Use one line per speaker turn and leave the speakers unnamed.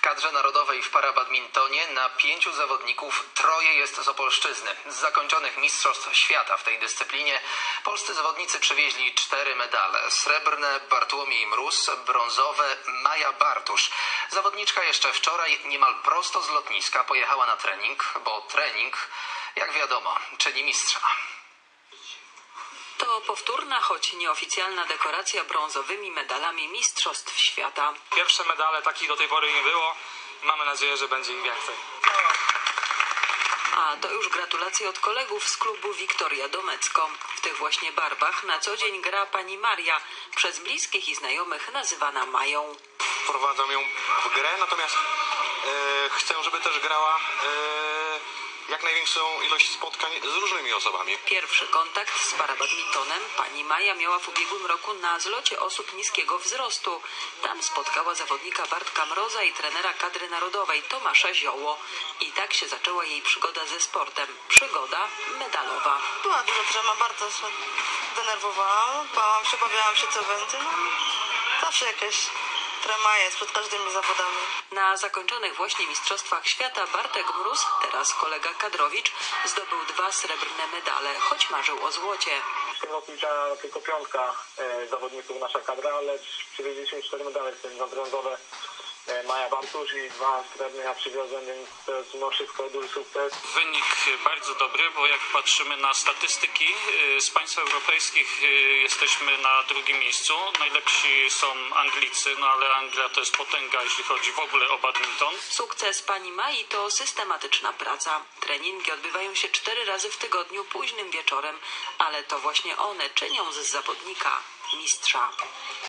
kadrze narodowej w parabadmintonie na 5 zawodników 3 jest z Opolszczyzny. Z zakończonych Mistrzostw Świata w tej dyscyplinie polscy zawodnicy przywieźli 4 medale. Srebrne Bartłomiej Mróz, brązowe Maja Bartusz. Zawodniczka jeszcze wczoraj niemal prosto z lotniska pojechała na trening, bo trening, jak wiadomo, czyni mistrza.
To powtórna, choć nieoficjalna dekoracja brązowymi medalami Mistrzostw Świata.
Pierwsze medale, takich do tej pory nie było. Mamy nadzieję, że będzie ich więcej.
A to już gratulacje od kolegów z klubu Wiktoria Domecko. W tych właśnie barwach na co dzień gra pani Maria, przez bliskich i znajomych nazywana Mają.
Wprowadzam ją w grę, natomiast chcę, żeby też grała jak największą ilość spotkań z różnymi osobami.
Pierwszy kontakt z parabadmintonem pani Maja miała w ubiegłym roku na zlocie osób niskiego wzrostu. Tam spotkała zawodnika Bartka Mroza i trenera kadry narodowej Tomasza Zioło. I tak się zaczęła jej przygoda ze sportem. Przygoda medalowa.
Była duża trema, bardzo się denerwowałam, bałam się, obawiałam się co będzie. No, zawsze jakieś trema jest przed każdymi zawodami.
Na zakończonych właśnie Mistrzostwach Świata Bartek Mróz, teraz kolega Kadrowicz, zdobył 2 srebrne medale, choć marzył o złocie.
W tym roku liczyła tylko 5 zawodników nasza kadra, ale przywieźliśmy 4 medale, w tym 2 brązowe Maja Bartusz i 2 srebrne ja przywiozłem, więc to jest mimo wszystko duży sukces.
Wynik bardzo dobry, bo jak patrzymy na statystyki z państw europejskich jesteśmy na 2. miejscu. Najlepsi są Anglicy, no ale Anglia to jest potęga, jeśli chodzi w ogóle o badminton.
Sukces pani Mai to systematyczna praca. Treningi odbywają się 4 razy w tygodniu późnym wieczorem, ale to właśnie one czynią z zawodnika mistrza.